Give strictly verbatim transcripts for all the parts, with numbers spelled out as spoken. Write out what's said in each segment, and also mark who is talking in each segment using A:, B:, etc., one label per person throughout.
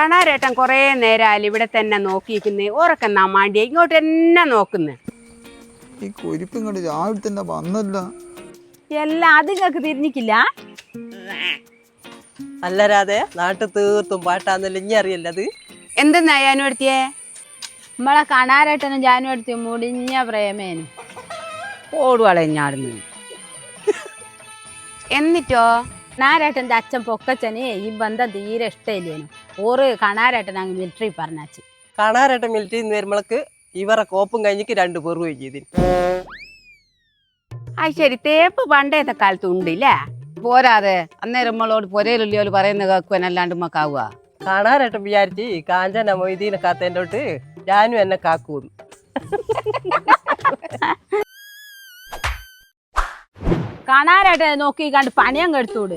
A: കണാരേട്ടൻ കുറേ നേരം ഇവിടെ തന്നെ നോക്കിയിരിക്കുന്നേ. ഓരൊക്കെന്നാ മാണ്ടിയ ഇങ്ങോട്ട് തന്നെ നോക്കുന്നേ.
B: ഈ കൊരിപ്പ് ഇങ്ങോട്ട് രാവിലെ തന്നെ വന്നല്ല.
C: എല്ലാം അത് നിങ്ങൾക്ക് തിരിഞ്ഞിക്കില്ല.
D: അല്ലരാതെ നാട്ടിൽ തീർത്തും പാട്ടാന്നല്ല ഇനി അറിയല്ല അത്.
A: എന്തെന്നാ ഞാനും എടുത്തിയേ?
C: നമ്മളെ കണാരേട്ടനും ജാനും എടുത്ത് മുടിഞ്ഞ പ്രേമേനും
A: ഓടുവളഞ്ഞാടുന്നു. എന്നിട്ടോ
C: കണാരേട്ടൻ്റെ അച്ഛൻ പൊക്കച്ചന് ഈ ബന്ധം തീരെ ഇഷ്ടമില്ലേനു. ഓറ് കണാരേട്ടൻ അങ്ങ് മിലിറ്ററി പറഞ്ഞാച്ച്.
D: കാണാരട്ടെ മിലിറ്ററി നിന്ന് വരുമ്പോൾക്ക് ഇവരെ കോപ്പും കഴിഞ്ഞിക്ക് രണ്ടു പേറുകയും ചെയ്തിന്.
A: ആ ശരി, തേപ്പ് പണ്ടേത്തെ കാലത്ത് ഉണ്ടില്ലേ? പോരാതെ അന്നേരം നമ്മളോട് പൊരയിലുള്ളിയോട് പറയുന്ന കേൾക്കുവാനല്ലാണ്ട് മക്കാവുക.
D: കാണാരട്ടം വിചാരിച്ച് കാഞ്ചന മൊയ്തീനെ കാത്തേൻ്റെ തൊട്ട് ഞാനും എന്നെ കാക്കൂന്ന്.
C: കണാരേട്ടനെ നോക്കി കണ്ട് പണിയങ്ങ് എടുത്തോട്.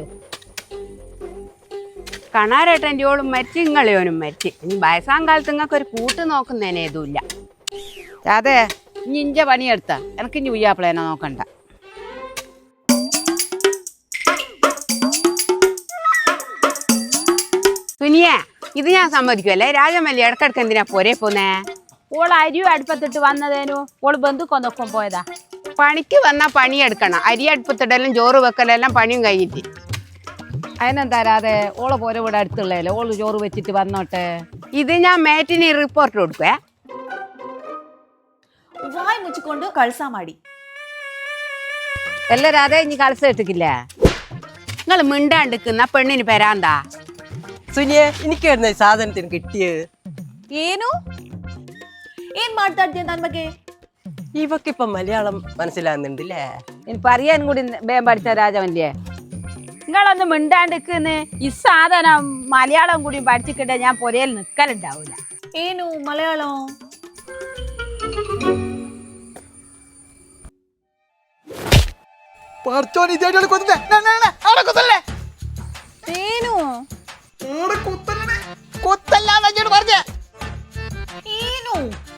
A: കണാരേട്ടൻ്റെ ഓളും മരിച്ച് ഇങ്ങളെയോനും മരിച്ച്. ഇനി വയസ്സാം കാലത്ത് നിങ്ങൾക്ക് ഒരു കൂട്ട് നോക്കുന്നതിന് ഏതുമില്ല. അതെ, ഇനി ഇഞ്ച പണിയെടുത്ത എനിക്ക് ഇനി ഉയ്യാപ്പിളേനെ നോക്കണ്ട. സുനിയ, ഇത് ഞാൻ സമ്മതിക്കുമല്ലേ? രാജമല്ലി ഇടക്കിടക്ക് എന്തിനാ പോരേ പോന്നേ?
C: ഓൾ അരിയും അടുപ്പത്തിട്ട് വന്നതേനു. ഓള് ബന്ധുക്കൊന്നൊപ്പം പോയതാ.
A: പണിക്ക് വന്നാൽ പണിയെടുക്കണം. അരി അടുപ്പത്തിടലും ചോറ് വെക്കലെല്ലാം പണിയും കഴിഞ്ഞിട്ട്.
C: അതിനെന്താ രാതെ ഓളെ പോരെ ഇവിടെ അടുത്തുള്ളതല്ലേ, ഓള് ചോറ് വെച്ചിട്ട് വന്നോട്ടെ.
A: ഇത് ഞാൻ മേറ്റിന് റിപ്പോർട്ട് കൊടുക്കുവേ.
E: വായ് മുച്ചിക്കൊണ്ട് കൾസാ മാടി.
A: എല്ലാരും അതേ ഇനി കളസ ഇട്ടിക്കില്ലേ? നിങ്ങൾ മിണ്ടാണ്ടിക്കുന്ന പെണ്ണിന് പെരാന്താ?
D: സുനിയെ, എനിക്കായിരുന്നു ഈ സാധനത്തിന് കിട്ടിയത്.
E: ಏನು ಏನ್ ಮಾಡ್ತಾ ಇದ್ದೀಯ ನನ್ ಬಗ್ಗೆ?
D: ഇവക്കിപ്പം മലയാളം മനസ്സിലാകുന്നുണ്ടല്ലേ?
C: എനിക്ക് അറിയാൻ കൂടി വേഗം പഠിച്ച രാജമല്ലേ. നിങ്ങളൊന്ന് മിണ്ടാണ്ടിക്കുന്ന്. ഈ സാധനം മലയാളം കൂടി പഠിച്ചിട്ട് ഞാൻ പൊരയിൽ നിൽക്കലുണ്ടാവൂല.
E: ಏನು ಮಲಯಾಳಂ? ಏನು ಏನು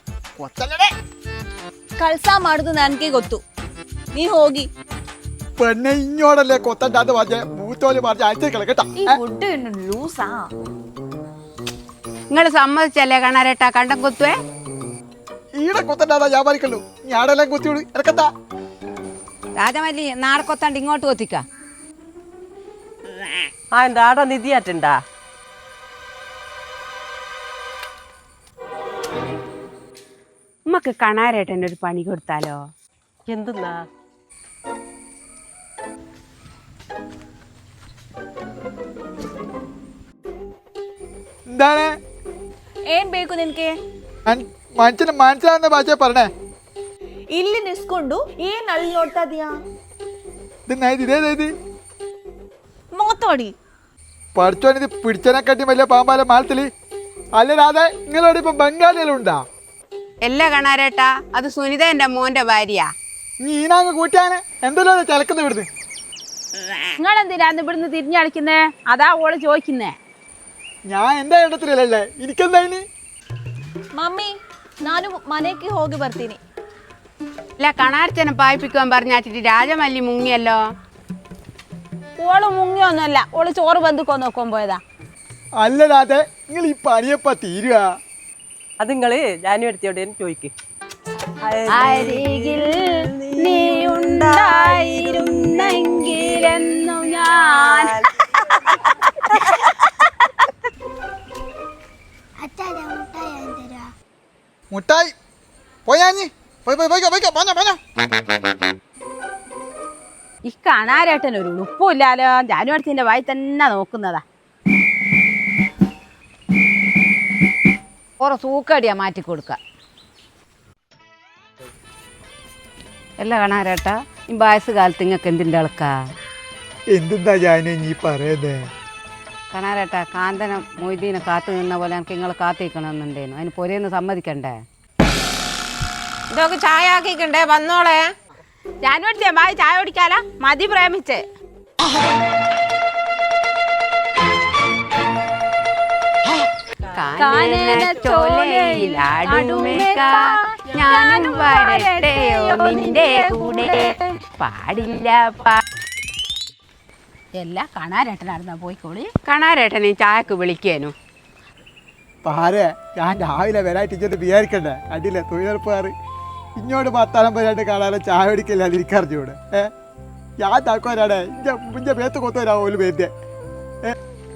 E: ಕಳ್ಸ ಮಾಡುದು ನನ್ಗೆ ಗೊತ್ತು. ನೀ ಹೋಗಿ.
B: പെണ്ണെ ഇങ്ങോടല്ലേ കൊത്തണ്ടാന്ന് പറഞ്ഞ മൂത്തോല് പറഞ്ഞ അയച്ചേക്കളെ കേട്ടാ.
E: ഈ ഫുഡ് ലൂസാ.
A: നിങ്ങൾ സമ്മതിച്ചല്ലേ കണാരേട്ടാ കണ്ടം കുത്തുവേ?
B: ഈടെ കൊത്തണ്ടാ ഞാൻ പറയല്ലോ. ഞാടെല്ലാം കുത്തിയോട് ഇറക്കത്താ.
A: രാജമല്ലി നാളെ കൊത്താണ്ട് ഇങ്ങോട്ട് കൊത്തിക്ക.
D: ആ എന്താ ആടെ നിധിയാറ്റുണ്ടാ?
A: നമുക്ക് കണാരേട്ടൻ്റെ ഒരു പണി കൊടുത്താലോ?
D: എന്തെന്നാ?
B: എന്താണ്
E: ಏನ್ ಬೇಕು ನಿನ್ಗೆ?
B: മനുഷ്യന് മനസ്സിലാവുന്ന ഭാഷ പറഞ്ഞേ.
E: ಇಲ್ಲಿ ನಿಸ್ಕೊಂಡು ಏನ್ ಅಲ್ಲಿ ನೋಡ್ತಾ ಇದೀಯಾ?
B: ഇതേത്
E: ಮಾತಾಡಿ.
B: പഠിച്ചോനിത് പിടിച്ചനെക്കാട്ടി വലിയ പാമ്പാല മാലത്തില്. അല്ല രാധേ, നിങ്ങളോട് ഇപ്പൊ ബംഗാളികളുണ്ടാ?
A: എല്ലാ കണാരേട്ടാ, അത് സുനിത എന്റെ മോന്റെ ഭാര്യ.
B: നീ ഈനാങ്ങ് കൂട്ടിയാനെ എന്തല്ലോ ചിലക്കുന്ന ഇവിടുന്ന്.
C: നിങ്ങളെന്തിനാന്ന് ഇവിടുന്ന് തിരിഞ്ഞളിക്കുന്നേ? അതാ ഓള് ചോദിക്കുന്നേ.
B: ഞാൻ എന്റെ ഇടത്തിലല്ലേ, എനിക്കെന്താ ഇനി?
E: ಮಮ್ಮಿ ನಾನು ಮನೆಗೆ ಹೋಗಿ ಬರ್ತೀನಿ.
A: അല്ല, കണാരച്ചനെ പായിപ്പിക്കുവാൻ പറഞ്ഞാച്ചിട്ട് രാജമല്ലി മുങ്ങിയല്ലോ.
C: ഓള് മുങ്ങിയൊന്നുമല്ല, ഓള് ചോറ് ബന്ധുക്കോ നോക്കാൻ പോയതാ.
B: അല്ലല്ലാതെ നിങ്ങൾ ഈ പണിയപ്പ തീരുക.
D: അത് നിങ്ങള് ഞാനും എടുത്തോടെ ചോദിക്ക്.
C: അരികിൽ നീ ഉണ്ടായിരുന്നെങ്കിലെന്നു ഞാൻ.
B: മുട്ടായി പോയാഞ്ഞി പോയി പോയി പോയിക്കോ പോയിക്കോ പോഞ്ഞോ പോഞ്ഞോ.
C: ഈ കണാരേട്ടൻ ഒരു ഉളുപ്പില്ലാലോ. ജാനു അടുത്തിന്റെ വായി തന്നെ നോക്കുന്നതാ. ഓറ സൂക്കടിയാ മാറ്റി കൊടുക്ക.
A: എല്ലാ കണാരേട്ടാ, ഈ വയസ്സ് കാലത്ത് നിങ്ങൾക്ക് എന്തിൻ്റെ അളക്കാ?
B: എന്തെന്താ ഞാനും നീ പറയുന്നേ?
A: കണാരേട്ടാ, കാന്തനം മൊയ്തീനെ കാത്തു നിന്ന പോലെ എനിക്ക് നിങ്ങൾ കാത്തിരിക്കണമെന്നുണ്ടേനു. അതിന് പൊരേന്ന് സമ്മതിക്കണ്ടേ?
F: ഇതൊക്കെ ചായ ആക്കിക്കണ്ടേ? വന്നോളെ.
C: ജാനു അടുത്തിയ വായി ചായ കുടിക്കാലാ. മതി പ്രേമിച്ച്.
A: ഞാനും വരട്ടെയോ നിന്റെ കൂടെ പാടില്ല.
C: എല്ലാ കണാരേട്ടനായിരുന്നാ പോയിക്കോളി.
A: കണാരേട്ടനെ ചായക്ക് വിളിക്കേനു.
B: പാരെ ഞാൻ രാവിലെ വരായിട്ട് ഇങ്ങോട്ട് വിചാരിക്കണ്ടേ അടിയില്ലേ തൊഴിലുറപ്പുകാർ ഇങ്ങോട്ട് പത്താളം വരായിട്ട് കാണാതെ ചായ പിടിക്കില്ല അതിരിക്കറിഞ്ഞൂടെ ഏ ഞാൻ താക്കോരാടെ ഇഞ്ച ഇഞ്ച പേത്ത് കൊത്തുവരാ പോലും പേരുടെ ഏ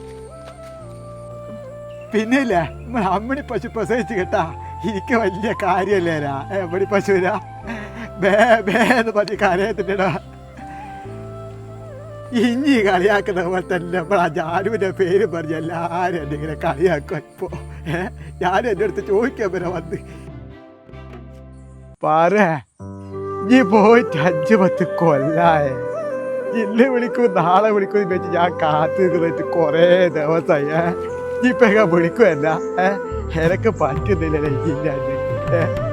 B: പിന്നെ ഇല്ലേ നമ്മൾ അമ്മണി പശു പ്രസവിച്ച് കേട്ടാ എനിക്ക് വലിയ കാര്യമല്ലേരാ അമ്മണി പശുരാ ബേ ബേ എന്ന് പറഞ്ഞ് കരയത്തില്ലടാ. ഇഞ്ഞി കളിയാക്കുന്ന പോലെ തന്നെ നമ്മൾ ആ ജാനുവിൻ്റെ പേര് പറഞ്ഞ് എല്ലാവരും എന്നെ ഇങ്ങനെ കളിയാക്കും ഇപ്പോൾ ഏഹ് ഞാനും എൻ്റെ അടുത്ത് ചോദിക്കാൻ വരെ വന്ന് പറ നീ പോയിട്ട് അഞ്ച് പത്ത് കൊല്ലായേ ഇന്ന് വിളിക്കും നാളെ വിളിക്കും വെച്ച് ഞാൻ കാത്തു നിന്നിട്ട് കുറേ ദിവസമായി ഏഹ് ഇപ്പം വിളിക്കുമല്ല ഏഹ് എനക്ക് പറ്റുന്നില്ലല്ലേ ഇല്ലാണ്ട് ഏഹ്